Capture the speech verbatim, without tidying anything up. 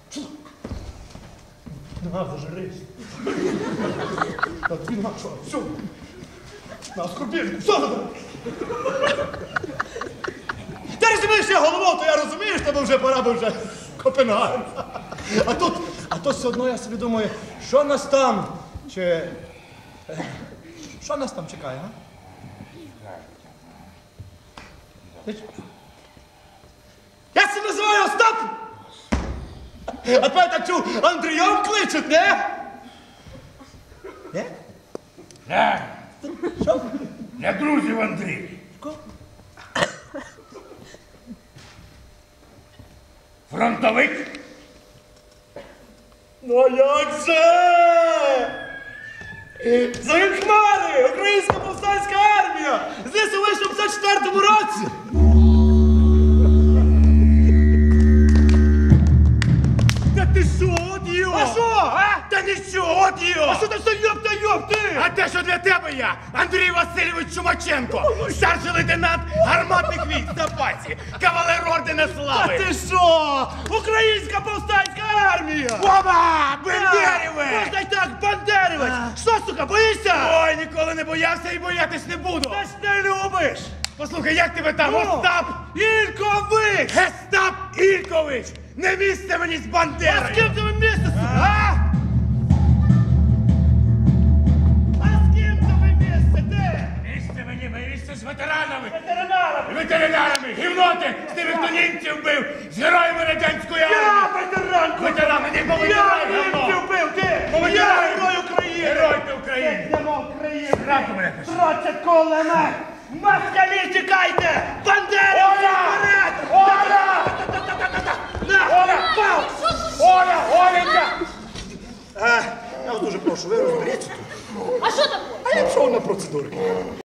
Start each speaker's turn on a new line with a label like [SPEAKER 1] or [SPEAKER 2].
[SPEAKER 1] На, зажрись. Та ти на що? Все. На скорпінку, все забери. Ти розумієш, я головою, то я розумію, тебе вже пора би вже в Копенгаген. А тут, а тут все одно я собі думаю, що нас там, чи... Що нас там чекає, а? Я себе називаю Остап! А тебе так чув, Андрієм кличуть, не? Не?
[SPEAKER 2] Не,
[SPEAKER 1] Що?
[SPEAKER 2] для друзів Андрій.
[SPEAKER 1] Що?
[SPEAKER 2] Фронтовик.
[SPEAKER 1] Ну а як же? За хмари! Українська повстанська армія! Здесь вийшов в п'ятдесят четвертому році! Та ти що, от йо?
[SPEAKER 2] А що, а? Та нічого, от його!
[SPEAKER 1] А що ти все йоп та йоп, ти?
[SPEAKER 2] А те, що для тебе я, Андрій Васильович Чумаченко, старший лейтенант гарматних військ в запасі, кавалер ордена
[SPEAKER 1] Та
[SPEAKER 2] слави.
[SPEAKER 1] ти що? Українська повстанська армія!
[SPEAKER 2] Оба! Бендеріве!
[SPEAKER 1] Можна й так, Бандерівець! Що, сука, боїшся?
[SPEAKER 2] Ой, ніколи не боявся і боятись не буду.
[SPEAKER 1] Та ж не любиш!
[SPEAKER 2] Послухай, як тебе там,
[SPEAKER 1] Ну?
[SPEAKER 2] Остап?
[SPEAKER 1] Ількович!
[SPEAKER 2] Гестап Ількович! Не місце мені з
[SPEAKER 1] А з
[SPEAKER 2] Бандерою!
[SPEAKER 1] ким тебе місце, сука?
[SPEAKER 2] А?
[SPEAKER 1] А з ким тебе місце, де?
[SPEAKER 2] Місце мені, моє місце з ветеранами!
[SPEAKER 1] Ветеринарами!
[SPEAKER 2] Ветеринарами! Гівноти! З тими, хто німців бив! З героями радянської
[SPEAKER 1] Я
[SPEAKER 2] армії!
[SPEAKER 1] ветеран!
[SPEAKER 2] Ветерани, не
[SPEAKER 1] Я
[SPEAKER 2] повитирай,
[SPEAKER 1] німців
[SPEAKER 2] говно!
[SPEAKER 1] бив, ти! Я
[SPEAKER 2] Повитирай!
[SPEAKER 1] герой України!
[SPEAKER 2] Герой ти України!
[SPEAKER 1] Йдемо України!
[SPEAKER 2] Зранку мене пиши!
[SPEAKER 1] Традцять кулемет! Москалі, тікайте! Бандера!
[SPEAKER 2] Оля!
[SPEAKER 1] Вперед!
[SPEAKER 2] Оля!
[SPEAKER 1] На!
[SPEAKER 2] Оля!
[SPEAKER 1] Пав!
[SPEAKER 2] Оля! Оленька!
[SPEAKER 1] Е, я вас дуже прошу, ви розберіться тут.
[SPEAKER 3] А що таке?
[SPEAKER 1] А я пішов на процедурки.